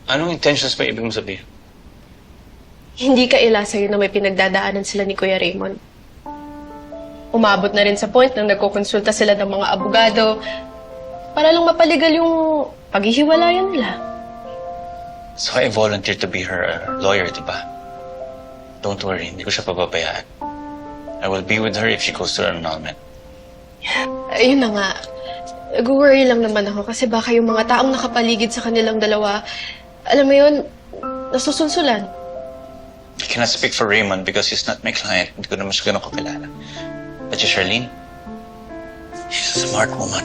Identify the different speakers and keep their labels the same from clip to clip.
Speaker 1: Anong intentions ba ibig mong sabihin?
Speaker 2: Hindi kaila sa'yo na may pinagdadaanan sila ni Kuya Raymond. Umabot na rin sa point na nagkukonsulta sila ng mga abogado para lang mapaligal yung paghihiwalayan nila.
Speaker 1: So I volunteered to be her lawyer, di ba? Don't worry, hindi ko siya pababayaan. I will be with her if she goes to her annulment.
Speaker 2: Ayun na nga. Nag-worry lang naman ako kasi baka yung mga taong nakapaligid sa kanilang dalawa, alam mo yun, nasusunsulan.
Speaker 1: I cannot speak for Raymond because he's not my client. Hindi ko naman siya ganun kakilala. But si Charlene, she's a smart woman.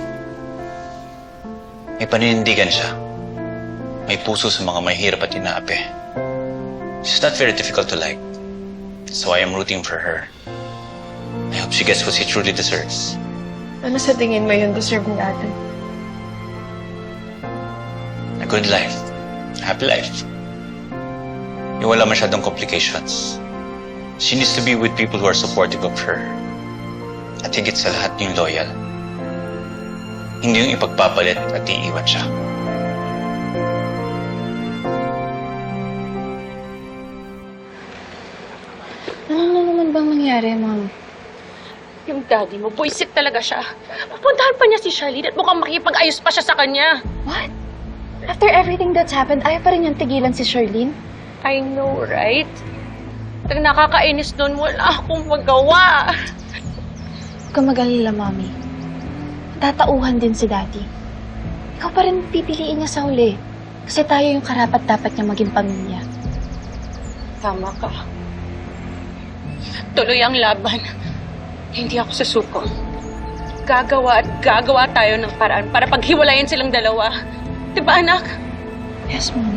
Speaker 1: May paninindigan siya. May puso sa mga mahirap at inaapi. She's not very difficult to like. So I am rooting for her. I hope she gets what she truly deserves.
Speaker 2: Ano sa tingin mo yun deserve ni ate?
Speaker 1: A good life. A happy life. Yung wala masyadong complications. She needs to be with people who are supportive of her. At higit sa lahat yung loyal. Hindi yung ipagpapalit at iiwan siya.
Speaker 3: Ano na naman bang nangyari, Ma'am?
Speaker 4: Yung daddy mo, buisit talaga siya. Pupuntahan pa niya si Charlene at mukhang makipag-ayos pa siya sa kanya.
Speaker 3: What? After everything that's happened, ayaw pa rin niyang tigilan si Charlene?
Speaker 4: I know, right? Ang nakakainis nun, wala akong magawa.
Speaker 3: Huwag kang mag-alala, Mami. Tatauhan din si Daddy. Ikaw pa rin pipiliin niya sa huli. Kasi tayo yung karapat-dapat niya maging pamilya.
Speaker 4: Tama ka. Tuloy ang laban. Hindi ako susuko. Gagawa at gagawa tayo ng paraan para paghiwalayan silang dalawa. Diba, anak?
Speaker 3: Yes, Mom.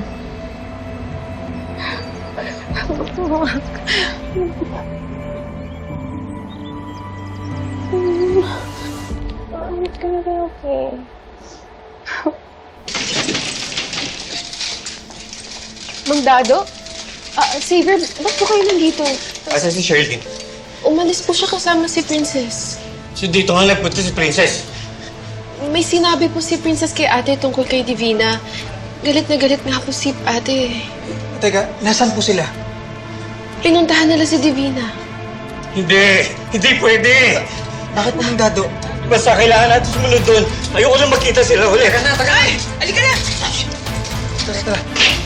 Speaker 2: It's gonna be okay. Mang Dado? Xavier, ba't po kayo nandito?
Speaker 5: Asa si Charlene?
Speaker 2: Umalis po siya kasama si Princess.
Speaker 5: So dito nga nagpunta si Princess.
Speaker 2: May sinabi po si Princess kay ate tungkol kay Divina. Galit na galit nga po si ate.
Speaker 5: Teka, nasaan po sila?
Speaker 2: Pinuntahan nila si Divina.
Speaker 5: Hindi! Hindi pwede! Bakit po Mang Dado? Basta kailangan natin sumunod doon. Ayoko na makita sila uli. Tara na, tara! Ay! Halika na! Tara, tara.